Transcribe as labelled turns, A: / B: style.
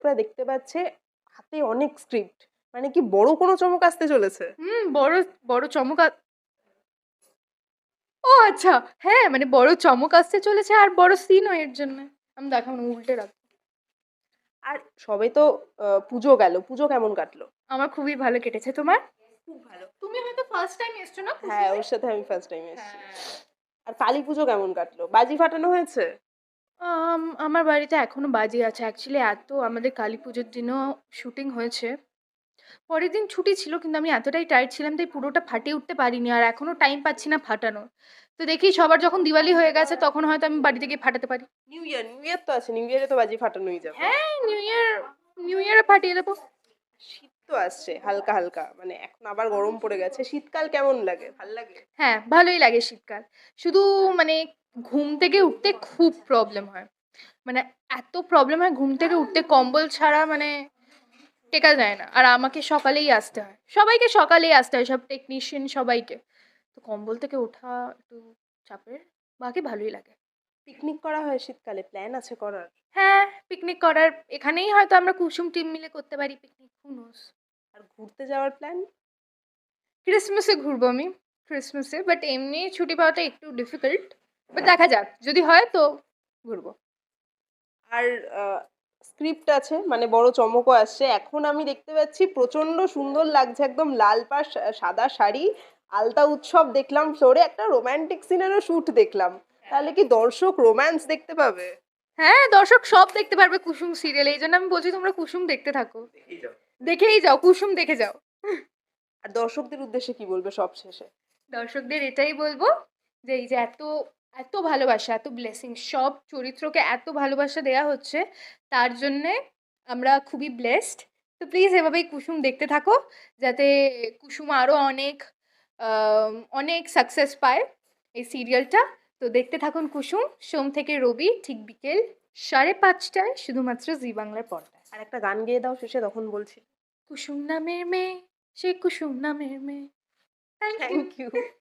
A: দর্শকরা দেখতে পাচ্ছে হাতে অনেক স্ক্রিপ্ট, মানে কি বড় কোনো চমক আসতে চলেছে?
B: বড় বড় চমক ও আচ্ছা, হ্যাঁ মানে বড় চমক আসতে চলেছে আর বড় সিনও এর জন্য। আমি দেখাবো না, উল্টে রাখ।
A: আর সবে তো পুজো গেল, পুজো কেমন কাটলো?
B: আমার খুবই ভালো কেটেছে, তোমার?
A: খুব ভালো।
B: তুমি হয়তো ফার্স্ট টাইম এসছো না
A: হ্যাঁ,
B: কুসুমে?
A: ওর সাথে আমি ফার্স্ট টাইম এসেছি।
B: হ্যাঁ।
A: আর কালী পুজো কেমন কাটলো? বাজি ফাটানো হয়েছে?
B: আমার বাড়িতে এখনো বাজি আছে অ্যাকচুয়ালি, এত আমাদের কালী পুজোর দিনও শুটিং হয়েছে। পরের দিন ছুটি ছিল কিন্তু আমি এতটাই টায়ার্ড ছিলাম তাই পুরোটা ফাটিয়ে উঠতে পারিনি, আর এখনো টাইম পাচ্ছি না ফাটানোর। তো দেখি সবার যখন দিওয়ালি হয়ে গেছে তখন হয়তো আমি বাড়িতে গিয়ে ফাটাতে পারি।
A: নিউ ইয়ার তো আছে, নিউ ইয়ারে তো বাজি ফাটানোই যাবে।
B: হ্যাঁ, নিউ ইয়ারে ফাটিয়ে দেবো।
A: শীত তো আসছে হালকা হালকা, মানে এখন আবার গরম পড়ে গেছে। শীতকাল কেমন লাগে? ভাল লাগে?
B: হ্যাঁ, ভালোই লাগে শীতকাল। শুধু মানে ঘুম থেকে উঠতে খুব প্রবলেম হয়। মানে এত প্রবলেম হয় ঘুম থেকে উঠতে, কম্বল ছাড়া মানে টেকা যায় না। আর আমাকে সকালেই আসতে হয়, সবাইকে সকালেই আসতে হয়, সব টেকনিশিয়ান সবাইকে। তো কম্বল থেকে ওঠা একটু চাপের, বাকি ভালোই লাগে।
A: পিকনিক করা হয় শীতকালে? প্ল্যান আছে করার?
B: হ্যাঁ, পিকনিক করার এখানেই হয়তো আমরা কুসুম টিম মিলে করতে পারি পিকনিক, হু নোস।
A: আর ঘুরতে যাওয়ার প্ল্যান?
B: ক্রিসমাসে ঘুরবো আমি, ক্রিসমাসে। বাট এমনি ছুটি পাওয়াটা একটু ডিফিকাল্ট, বাট দেখা যাক যদি হয় তো ঘুরবো।
A: আর স্ক্রিপ্ট আছে, মানে বড় চমকও আসছে। এখন আমি দেখতে পাচ্ছি প্রচন্ড সুন্দর লাগছে, একদম লাল পাড় সাদা শাড়ি, আলতা উৎসব দেখলাম ফ্লোরে, একটা রোমান্টিক সিনেরও শুট দেখলাম। তাহলে কি দর্শক রোম্যান্স দেখতে পাবে?
B: হ্যাঁ, দর্শক সব দেখতে পারবে কুসুম সিরিয়ালে, এই জন্য আমি বলছি তোমরা কুসুম দেখতে থাকো, দেখেই যাও, কুসুম দেখে যাও।
A: আর দর্শকদের উদ্দেশ্যে কি বলবে সব শেষে?
B: দর্শকদের এটাই বলবো যে এই যে এত এত ভালোবাসা, এত ব্লেসিং, সব চরিত্রকে এত ভালোবাসা দেয়া হচ্ছে, তার জন্যে আমরা খুবই ব্লেসড। তো প্লিজ এভাবেই কুসুম দেখতে থাকো, যাতে কুসুম আরও অনেক অনেক সাকসেস পায় এই সিরিয়ালটা। তো দেখতে থাকুন কুসুম, সোম থেকে রবি ঠিক বিকেল 5:30টায়, শুধুমাত্র জি বাংলার পর্দায়।
A: আর একটা গান গেয়ে দাও শেষে, তখন বলছি।
B: কুসুম নামের মেয়ে, সে কুসুম নামের মেয়ে। Thank you.
A: Thank you.